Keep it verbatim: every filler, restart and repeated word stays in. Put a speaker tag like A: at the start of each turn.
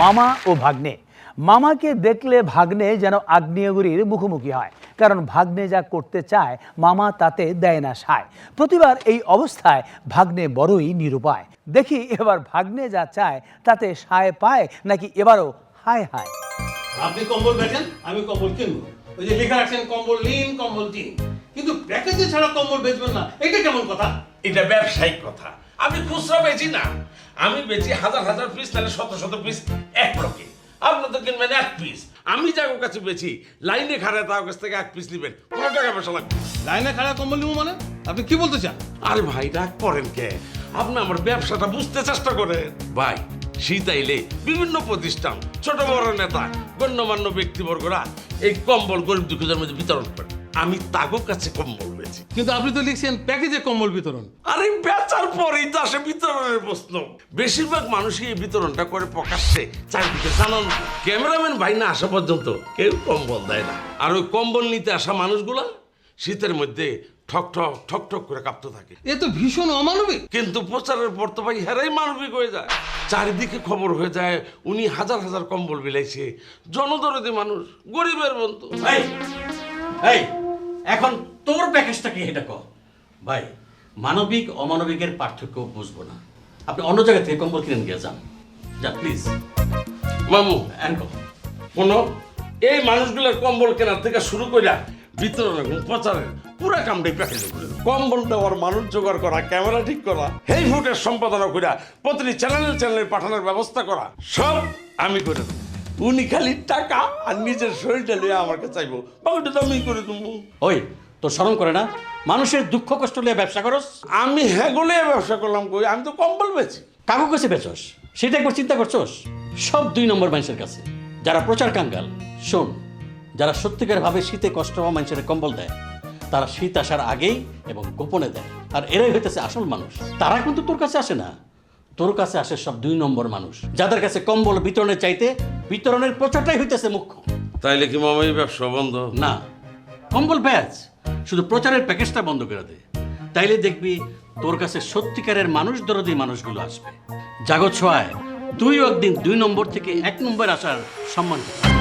A: মামা ও ভাগ্নে। মামাকে দেখলে ভাগ্নে যেন আগ্নেয়গিরির মুখোমুখি হয়, কারণ ভাগ্নে যা করতে চায় মামা তাতে দেয় না সায়। প্রতিবার এই অবস্থায় ভাগ্নে বড়ই নিরুপায়। দেখি এবার ভাগ্নে যা চায় তাতে সায় পায় নাকি এবারও হায় হায়।
B: আপনি কম্বল বেচেন, আমি কম্বল কিনবো। ওই যে লেখা রাখছেন কম্বল লিন কম্বল টিন, কিন্তু প্যাকেজে ছাড়া কম্বল বেচবেন না, এটা কেমন কথা?
C: এটা ব্যবসায়িক কথা। আমি খুচরা বেচি না, আমি বেচি হাজার হাজার পিস, তাহলে শত শত পিস এক লকে। আপনাদের কিনবেন এক পিস, আমি যার কাছে বেচি লাইনে খাড়ায় তার কাছ থেকে এক পিস নেবেন, কোনো টাকা পয়সা লাগবে।
B: লাইনে খাড়া কম্বল নিবো মানে? আপনি কি বলতে চান?
C: আরে ভাই রাগ করেন কে? আপনি আমার ব্যবসাটা বুঝতে চেষ্টা করেন ভাই। শীত আইলে বিভিন্ন প্রতিষ্ঠান, ছোট বড় নেতা, গণ্যমান্য ব্যক্তিবর্গরা এই কম্বল গরিব দুঃখীদের মধ্যে বিতরণ করে। আমি তাদের কাছে কম্বল বেচি।
B: কিন্তু আপনি তো লিখছেন প্যাকেজে কম্বল বিতরণ।
C: আরে বেচার পরেই তো আসে বিতরণের প্রশ্ন। বেশিরভাগ মানুষই এই বিতরণটা করে প্রকাশ্যে, চারিদিকে জানান। ক্যামেরাম্যান ভাই না আসা পর্যন্ত কেউ কম্বল দেয় না। আর ওই কম্বল নিতে আসা মানুষগুলা শীতের মধ্যে ঠক ঠক ঠক ঠক করে কাঁপতে থাকে।
B: এ তো ভীষণ অমানবিক।
C: কিন্তু প্রচারের পর তো ভাই হেরাই মানবিক হয়ে যায়। চারিদিকে খবর হয়ে যায় উনি হাজার হাজার কম্বল বিলাইছে। জনদরদি মানুষ, গরিবের বন্ধু।
D: এই এই এখন তোর প্যাকেজটা কি এটা কর ভাই। মানবিক অমানবিকের পার্থক্য বুঝবো না। আপনি অন্য জায়গা থেকে কম্বল কিনে নিয়ে যান, যান প্লিজ।
C: মামু
D: অ্যানকো
C: শোনো, এই মানুষগুলোর কম্বল কেনার থেকে শুরু করে বিতরণ এবং প্রচারের পুরা কামটাই প্যাকেজে করে কম্বল দেওয়ার মানুষ জোগাড় করা, ক্যামেরা ঠিক করা, এই ফুটের সম্পাদনা করা, প্রতিটি চ্যানেল চ্যানেলে পাঠানোর ব্যবস্থা করা, সব আমি করে দেবো। উনি খালি টাকা আর নিজের শরীরটা নিয়ে আমাকে চাইবো, বাকিটা তো আমি করে দেবো।
D: ওই তোর শরম করে না? মানুষের দুঃখ কষ্ট নিয়ে ব্যবসা করস?
C: আমি হ্যাগলে ব্যবসা করলাম কই? আমি তো কম্বল বেচি।
D: কাকু কাছে বেচস সেটা একবার চিন্তা করছস? সব দুই নম্বর মানুষের কাছে যারা প্রচার কাঙ্গাল। শোন, যারা সত্যিকার ভাবে শীতে কষ্ট হওয়া মানুষের কম্বল দেয়, তারা শীত আসার আগেই এবং গোপনে দেয়। আর এরাই হইতেছে আসল মানুষ। তারা কিন্তু তোর কাছে আসে না, তোর কাছে আসে সব দুই নম্বর মানুষ, যাদের কাছে কম্বল বিতরণের চাইতে বিতরণের প্রচারটাই হইতেছে মুখ্য।
C: তাইলে কি মামা এই ব্যবসা বন্ধ?
D: না, কম্বল ব্যাচ, শুধু প্রচারের প্যাকেজটা বন্ধ করে দে। তাইলে দেখবি তোর কাছে সত্যিকারের মানুষ দরদি মানুষগুলো আসবে। জাগত ছোঁয়ায় তুইও একদিন দুই নম্বর থেকে এক নম্বর আসার সম্মান করবি।